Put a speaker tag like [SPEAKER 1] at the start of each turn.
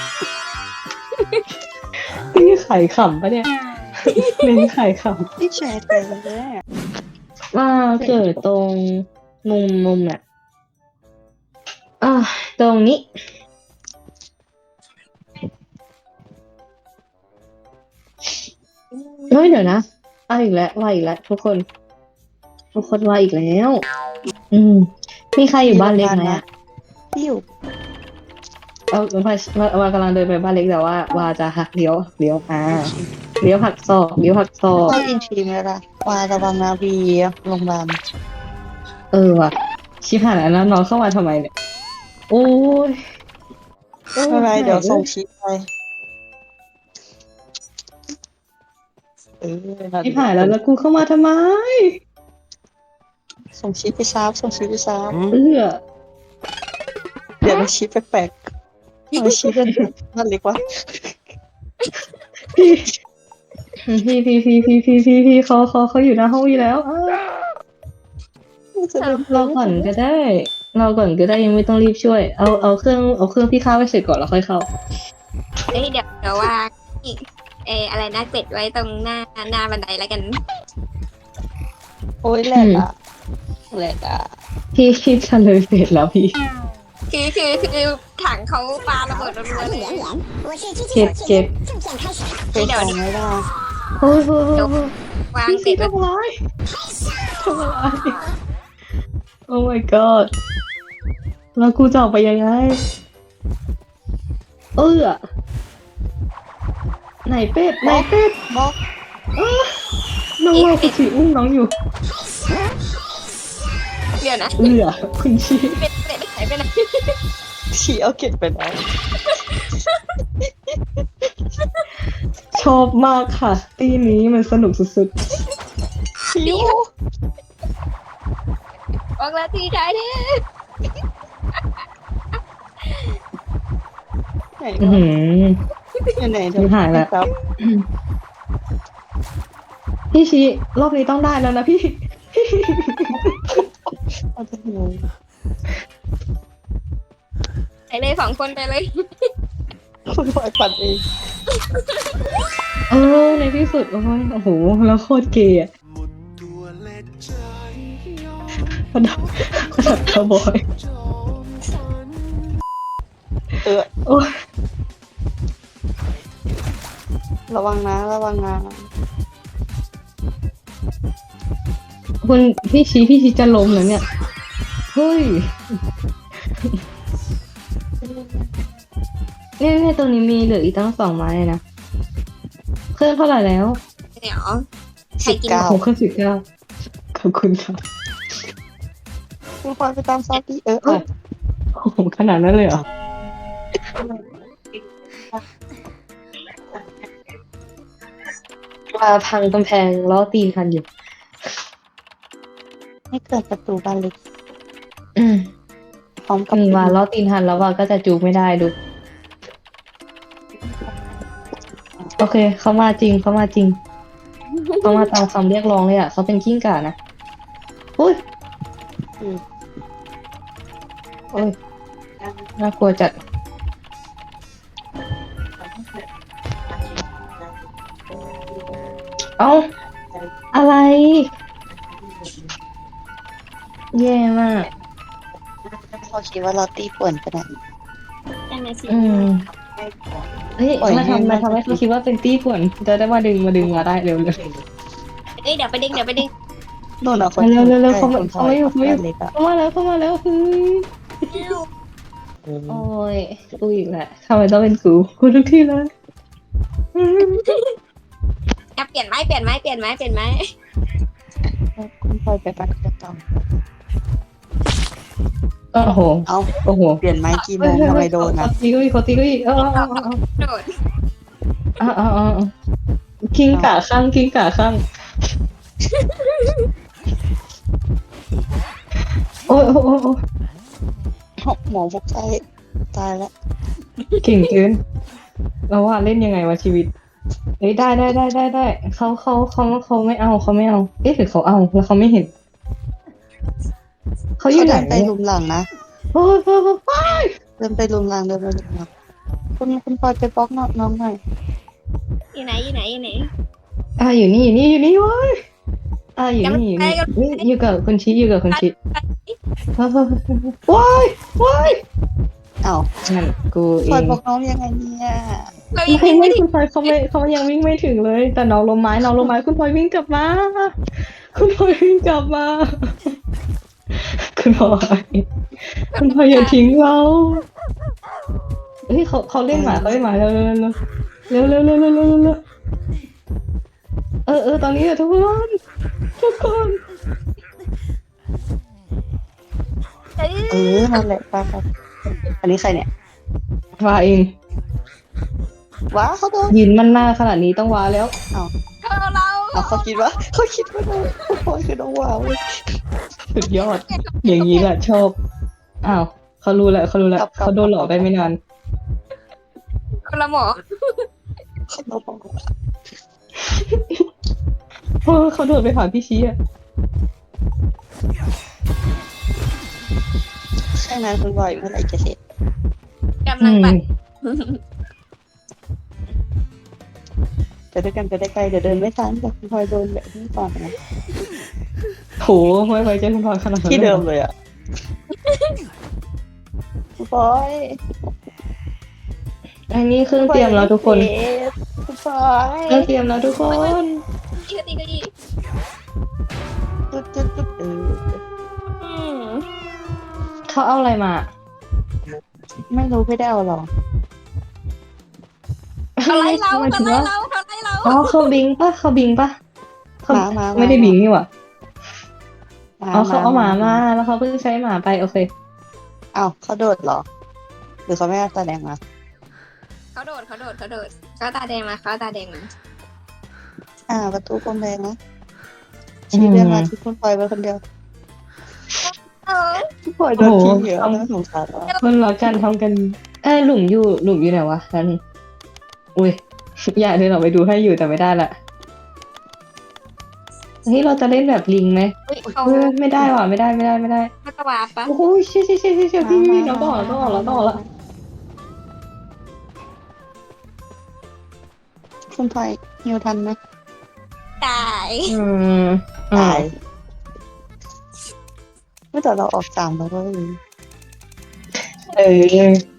[SPEAKER 1] พี่ไข่ขำปะเนี่ยเน้นไข่ข
[SPEAKER 2] ที่แชร์ไปแล้ว
[SPEAKER 1] ำว่าเกิดตรงมุมเนี่ยตรงนี้เฮ้ยเดี๋ยวนะอีกแล้วว่าอีกแล้วทุกคนว่าอีกแล้ว มีใครอยู่บ้านเล็กไหมอ่ะ
[SPEAKER 2] ที่อยู่
[SPEAKER 1] ว่ากำลังเดินไปบ้านเล็กแต่ว่าจะหักเลี้ยวเลี้ยวหักศอก
[SPEAKER 2] เข้าอินทีมแล้วล่ะวาระวังนาวีโรงพยาบาล
[SPEAKER 1] ว่ะชิบหายแล้วนะน้องเข้ามาทำไมเนี่ยโอ้ย
[SPEAKER 2] อะไรเดี๋ยวส่งชิปไป
[SPEAKER 1] ชิบหายแล้วกูเข้ามาทำไม
[SPEAKER 2] ส่งชิปไปซ้ำส่งชิปไปซ้ เดี๋ยวมันชิปแปลกๆมันชิปเป็นนั่นเล็กวะ
[SPEAKER 1] พี่เขาอยู่หน้าห้องอยู่แล้วเราก่อนก็ได้ยังไม่ต้องรีบช่วยเอาเครื่องพี่เข้าไปเสร็จก่อนแล้วค่อยเข้า
[SPEAKER 3] เดี๋ยวว่าอะไรนะเป็ดไว้ตรงหน้าบันไดแล้วกัน
[SPEAKER 2] โอ้ยแหลกอ่ะ
[SPEAKER 1] พี่จะเลยเสร็จแล้วพี่
[SPEAKER 3] คือถังเขาปาระเบิดรัวๆเลย
[SPEAKER 1] เก็บ
[SPEAKER 2] ไปต่อไม่ได้
[SPEAKER 1] โอ้ยว
[SPEAKER 3] างเป็ดไว้
[SPEAKER 1] ทำร้ายโอ้ my god แล้วกูจะออกไปยังไงไหนเป็ด
[SPEAKER 2] บล็อก
[SPEAKER 1] น้องเราคุณชีอุ้มน้องอยู่
[SPEAKER 3] เดี๋ยวนะ
[SPEAKER 1] คุณชี
[SPEAKER 3] เป็ดหายไปไหน
[SPEAKER 2] ฉี่เอาเก็บไปแล้ว
[SPEAKER 1] ชอบมากค่ะตีนี้มันสนุกสุด
[SPEAKER 2] ชิว
[SPEAKER 3] ออกแล้วทีท้ายเด้
[SPEAKER 2] ไหน
[SPEAKER 1] ๆ
[SPEAKER 2] เนาะอยู่ไหนเดี๋ยว
[SPEAKER 1] หายแล้ว
[SPEAKER 2] ครับ
[SPEAKER 1] พี่ชีรอบนี้ต้องได้แล้วนะพี่
[SPEAKER 2] เอาจะหู
[SPEAKER 3] ไปเลย2 คนไปเลย
[SPEAKER 2] คุณปล่อยปัดเอง
[SPEAKER 1] ในที่สุดโอ้โหแล้วโคตรเกย์อะระดับคาวบอย โอ้ย
[SPEAKER 2] ระวังนะ
[SPEAKER 1] คุณพี่ชีจะล้มแล้วเนี่ยเฮ้ยเนี่ยตรงนี้มีเหลืออีกตั้ง2 ไม้เลยนะเครื่องเท่าไหร่แล้ว
[SPEAKER 3] เดี๋ยวใครกิน
[SPEAKER 2] 19
[SPEAKER 1] ผมเครื่อง19ขอบคุณครับ
[SPEAKER 2] คุณปล่อยไปตามซอสที่
[SPEAKER 1] โอ้โหขนาดนั้นเลยเหรอว่าพังกำแพงล้อตีนทันอยู่
[SPEAKER 2] ให้เกิดประตูบานเล็ก
[SPEAKER 1] อืม
[SPEAKER 2] พร้อมกับ
[SPEAKER 1] ว่าล้อตีนทันแล้วว่าก็จะจูบไม่ได้ดูโอเคเขามาจริงเขามาตามคำเรียกร้องเลยอ่ะเขาเป็นกิ้งก่านะอุ้ยโอ้ยน่ากลัวจัดเอ้าอะไรแย่มาก
[SPEAKER 2] เขาคิดว่าเราตีป่วนขนาดนี้
[SPEAKER 3] นั่นน่ะสิ
[SPEAKER 1] เฮ้ยมาทำให้เขาคิดว่าเป็นตี้ป่วนจะได้มาดึงมาได้เร็วเลย
[SPEAKER 3] เดี๋ยวไปดึง
[SPEAKER 2] โน่นอ่ะคน
[SPEAKER 1] เร็วเขาไม่อยู่
[SPEAKER 2] เล็กอ่ะ
[SPEAKER 1] เข้ามาแล้วคือโอ้ยกูอีกแหละทำไมต้องเป็นกูทุกที่เลย
[SPEAKER 3] เปลี่ยนไม้
[SPEAKER 2] คุณปล่อยไปปัดกระตอง
[SPEAKER 1] โอ้โห
[SPEAKER 2] โอ้โหเปลี่ยนไม้กี่โมงทำไมโดนอ่ะ
[SPEAKER 1] ตีก็อีก
[SPEAKER 3] โดด
[SPEAKER 1] กิ้งก่าข้างโอ้ย
[SPEAKER 2] หมอบอกใจตายแล้ว
[SPEAKER 1] เก่งเกินเราว่าเล่นยังไงวะชีวิตเฮ้ยได้เขาไม่เอาเอ๊ะหรือเขาเอาแล้วเขาไม่เห็นเขาอยู่ไหน
[SPEAKER 2] เดินไปลุมหลังนะ
[SPEAKER 1] โอ้ย
[SPEAKER 2] เดินไปลุมหลังคุณพลอยไปบล็อกน้องหน่อย
[SPEAKER 3] อยู่ไหนอยู่ไหนอยู่ไหน
[SPEAKER 1] อยู่นี่อยู่นี่อยู่นี่เว้ยอยู่นี่อยู่นี่นี่อยู่กับคุณชิอยู่กับคุณชิเฮ้ยว้ายว้าย
[SPEAKER 2] อ้าว
[SPEAKER 1] นั่นกูเอ
[SPEAKER 2] พลอย
[SPEAKER 1] ง
[SPEAKER 2] บล็อกน้องยังไงเนี่ย
[SPEAKER 3] เรายัง
[SPEAKER 1] ไม่
[SPEAKER 3] ไม่ถึง
[SPEAKER 1] คุณพลอยเขายังวิ่งไม่ถึงเลย แต่น้องลมไม้คุณพลอยวิ่งกลับมาคุณพลอยวิ่งกลับมาคุณพลอยอย่าทิ้งเราเฮ้ยเขาเล่นหมาเร็วตอนนี้อะทุกคน
[SPEAKER 2] นั่นแหละไปอันนี้ใครเนี่ย
[SPEAKER 1] ว่าเอง
[SPEAKER 2] ว้าเขาโดน
[SPEAKER 1] ยืนมันหน้าขนาดนี้ต้องว้าแล้ว
[SPEAKER 3] เรา
[SPEAKER 2] เอาเขาคิดว่าน้องพลอยคือน้องว้าวเว้ย
[SPEAKER 1] สุดยอด อย่างนี้แหละชอบอ้าวเขารู้แล้วเขาโดนหลอกไปไม่นาน
[SPEAKER 3] คนละหมอ
[SPEAKER 2] เขาบอกว่า
[SPEAKER 1] เขาโดดไปหาพี่ชี้อ่ะ
[SPEAKER 2] แค่นั้นคุณพลอยเมื่อไหร่จะเสร็จ
[SPEAKER 3] กำลังแบบ
[SPEAKER 2] จะด้วยกันไปได้ไกลเดี๋ยวเดินไม่ทันแต่คุณพลอยโดนแบบนี้ก่อนนะ
[SPEAKER 1] โหไม่ไว้ใจคุณพลอยขนาดนั้น
[SPEAKER 2] ที่เดิมเลยอ่ะคุณพลอย
[SPEAKER 1] อันนี้เครื่องเตรียมแล้วทุกคน
[SPEAKER 2] คุณพลอย
[SPEAKER 1] เครื่องเตรียมแล้วทุกคน
[SPEAKER 3] อีกทีก็อีก
[SPEAKER 2] จุด
[SPEAKER 1] เขาเอาอะไรมา
[SPEAKER 2] ไม่รู้ไม่ได้เอาหรอ
[SPEAKER 3] เขาไล่เรา
[SPEAKER 1] หมาย
[SPEAKER 3] เขา
[SPEAKER 1] ถึง
[SPEAKER 3] ไล่
[SPEAKER 1] ว่า
[SPEAKER 3] เราเขาไล่เรา
[SPEAKER 1] อ๋อเขาบิงปะเขา
[SPEAKER 2] มา
[SPEAKER 1] ไม่ได้บิงนี่หว่าอ๋อเขาเอาหมามาแล้วเขาเพิ่งใช้หมาไปโอเค
[SPEAKER 2] อ้าวเขาโดดเหรอ หรือเขาไม่แสดงมา
[SPEAKER 3] เขาโดดเขาตาแดงมา
[SPEAKER 2] ประตูกลมแดงนะชี้เดินมาที่คุณพลอยไปคนเดียว คุณพลอยโดนทิ้งเยอะนะสงสารว่ะ
[SPEAKER 1] คนรักกันทำกันหลุมอยู่ไหนวะนั่นอุ้ยอยากเดินออกไปดูให้อยู่แต่ไม่ได้ละเฮ้ยเราจะเล่นแบบลิงไหม
[SPEAKER 3] เขา
[SPEAKER 1] ไม่ได้ว่ะไม่ได้
[SPEAKER 3] ไม่ตะวาปะ
[SPEAKER 1] โอ้โหเชี่ยพี่น้องต้องออกแล้ว
[SPEAKER 2] คุณพลอยฮิวทันไหม
[SPEAKER 3] ตาย
[SPEAKER 2] ตายเมื่อแต่เราออก3แล้วก็เลย
[SPEAKER 1] เออ